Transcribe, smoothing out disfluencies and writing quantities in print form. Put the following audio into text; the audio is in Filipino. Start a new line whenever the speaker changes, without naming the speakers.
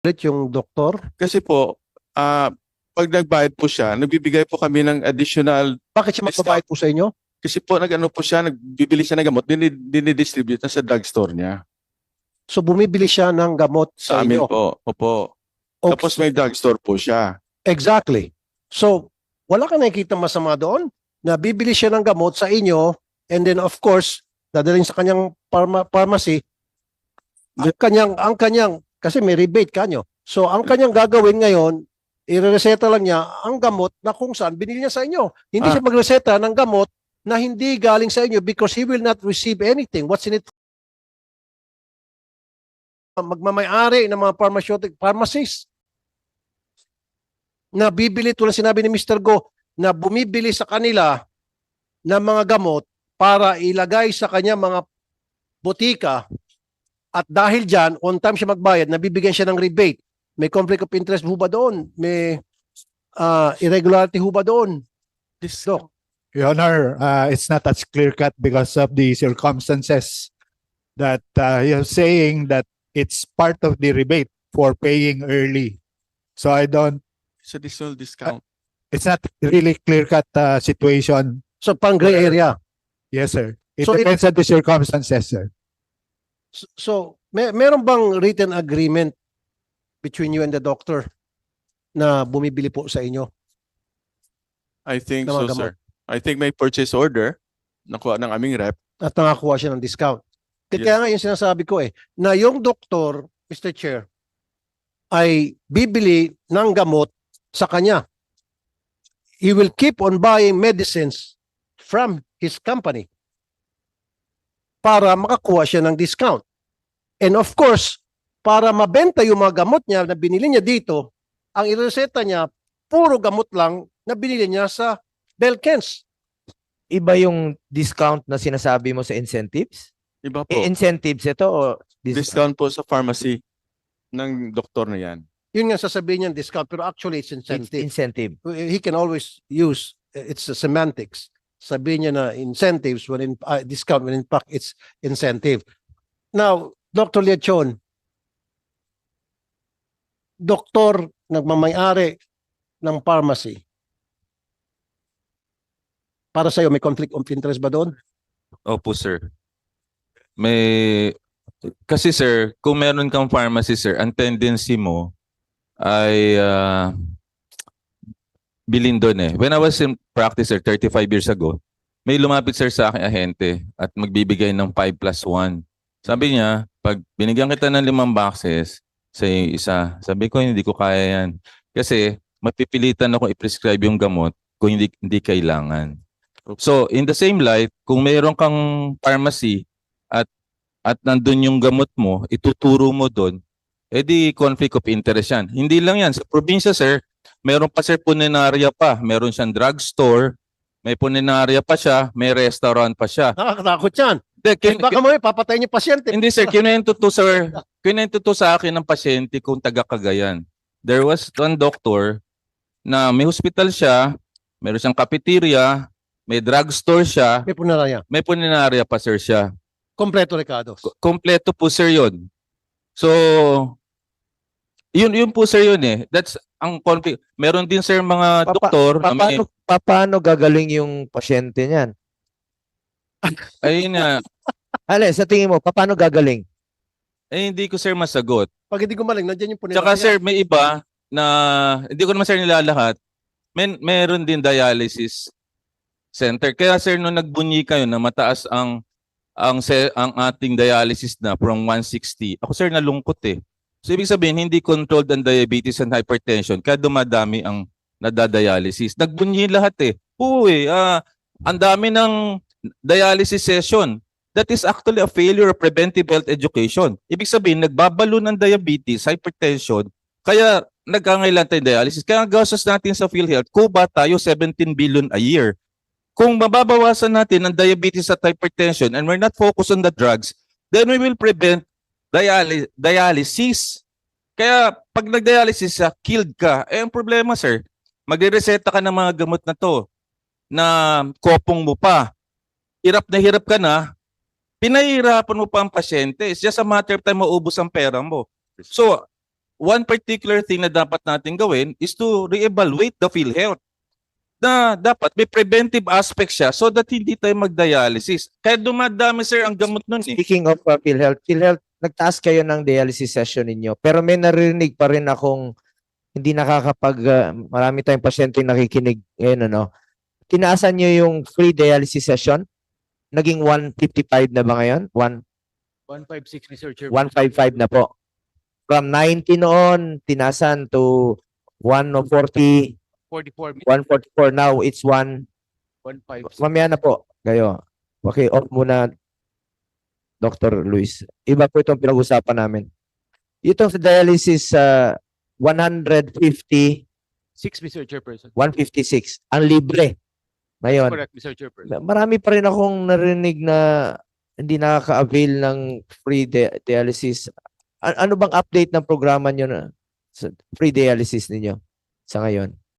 ulit yung doktor?
Kasi po, pag nagbayad po siya, nagbibigay po kami ng additional
Bakit siya magbabayad po sa inyo?
kasi po nag-ano po siya, nagbibili siya ng gamot, dinidistribute na sa drugstore niya.
So bumibili siya ng gamot
Sa
sa
amin
inyo.
po. Opo.
Okay.
Tapos may drugstore po siya.
Exactly. So wala ka nakikita masama doon na bibili siya ng gamot sa inyo and then of course dadalhin sa kanyang pharmacy ang kanyang kasi may rebate kanyo. So ang kanyang gagawin ngayon, irereseta lang niya ang gamot na kung saan binili niya sa inyo. Hindi siya magreseta ng gamot na hindi galing sa inyo because he will not receive anything. What's in it? Magmamayari ng mga pharmacies na bibili, tulad sinabi ni Mr. Go, na bumibili sa kanila ng mga gamot para ilagay sa kanya mga botika at dahil dyan, on time siya magbayad, nabibigyan siya ng rebate. May conflict of interest ho ba doon? May irregularity ho ba doon? Doc.
Your Honor, it's not as clear-cut because of the circumstances that you're saying that it's part of the rebate for paying early. So I don't,
It's additional discount.
it's not really clear-cut situation.
So pang gray area.
Yes, sir. It
So
depends on the circumstances, sir.
So meron bang written agreement between you and the doctor na bumibili po sa inyo?
I think
ng
so,
mga gamot.
sir. I think may purchase order nakuha ng aming rep.
At nakakuha siya ng discount. Kaya nga yung sinasabi ko na yung doktor, Mr. Chair, ay bibili ng gamot sa kanya. He will keep on buying medicines from his company para makakuha siya ng discount. And of course, para mabenta yung mga gamot niya na binili niya dito, ang ireseta niya, puro gamot lang na binili niya sa Belkens.
Iba yung discount na sinasabi mo sa incentives?
Iba po.
Incentives ito o
Discount po sa pharmacy ng doktor na yan.
Yun nga sasabihin niya discount, pero actually it's
It's
incentive.
incentive.
He can always use, it's a semantics. Sabihin niya na incentives when in discount when in fact it's incentive. Now, Dr. Leachon, doktor nagmamayari ng pharmacy. Para sa iyo may conflict of interest ba doon?
Opo, sir. Kasi sir, kung meron kang pharmacy, sir, ang tendency mo ay bilhin doon eh. When I was in practice, sir, 35 years ago, may lumapit, sir, sa akin ahente at magbibigay ng 5+1. Sabi niya, pag binigyan kita ng 5 boxes sa isa, sabi ko, hindi ko kaya yan. Kasi mapipilitan ako i-prescribe yung gamot kung hindi kailangan. So, in the same light, kung mayroon kang pharmacy at nandun yung gamot mo, ituturo mo doon, edi conflict of interest yan. Hindi lang yan. Sa probinsya, sir, meron pa, sir, puninarya pa. Meron siyang drugstore, may puninarya pa siya, may restaurant pa siya.
Nakakatakot yan.
Hindi,
Baka mo papatayin yung pasyente.
hindi, sir, kinento to, sir. Kinento to sa akin ng pasyente kung taga Cagayan. There was one doctor na may hospital siya, meron siyang cafeteria, may drugstore siya,
May punaraya.
may puninarya pa, sir, siya.
Kompleto, Ricardo.
Kompleto po, sir, yun. So, yun po, sir, yun eh. That's ang conflict. Meron din, sir, mga doktor. na may-
Paano gagaling yung pasyente niyan?
Ayun na.
Ale, sa tingin mo, paano gagaling?
Hindi ko, sir, masagot.
Pag hindi gumaling, nandiyan yung punaraya.
Tsaka, sir, may iba na, hindi ko naman, sir, nilalahat. Meron din dialysis center. Kaya, sir, nung nagbunyi kayo na mataas ang ating dialysis na from 160, ako, sir, nalungkot eh. So, ibig sabihin, hindi controlled ang diabetes and hypertension kaya dumadami ang nadadialysis. Nagbunyi lahat eh. Ang dami ng dialysis session. That is actually a failure of preventive health education. Ibig sabihin, nagbabalo ng diabetes, hypertension, kaya nagkangailan tayo dialysis. Kaya ang gastos natin sa PhilHealth, kuba tayo 17 billion a year. Kung mababawasan natin ang diabetes at hypertension and we're not focused on the drugs, then we will prevent dialysis. Kaya pag nag-dialysis killed ka. Ang problema, sir, magre-reseta ka ng mga gamot na to na kopong mo pa. Hirap ka na, pinahihirapan mo pa ang pasyente. It's just a matter of time maubos ang pera mo. So, one particular thing na dapat natin gawin is to reevaluate the PhilHealth. Na dapat may preventive aspect siya so that hindi tayo mag-dialysis. Kaya dumadami sir ang gamot nun eh.
Speaking of PhilHealth, nagtaas kayo ng dialysis session ninyo. Pero may narinig pa rin akong hindi marami tayong pasyente nakikinig ngayon, ano. Tinaasan nyo yung free dialysis session? Naging 155 na ba ngayon?
156, Mr. Chair.
155 na po. From 90 noon, tinasan to 140,
44,
144. Now, it's
156.
Mamaya na po. Kayo. Okay, off muna, Dr. Luis. Iba po itong pinag-usapan namin. Itong sa dialysis, 150,
6, Mr. Chairperson.
156. Ang libre. Ngayon,
Correct, Mr. Chairperson.
marami pa rin akong narinig na hindi nakaka-avail ng free dialysis. Ano bang update ng programa nyo na sa free dialysis ninyo sa ngayon?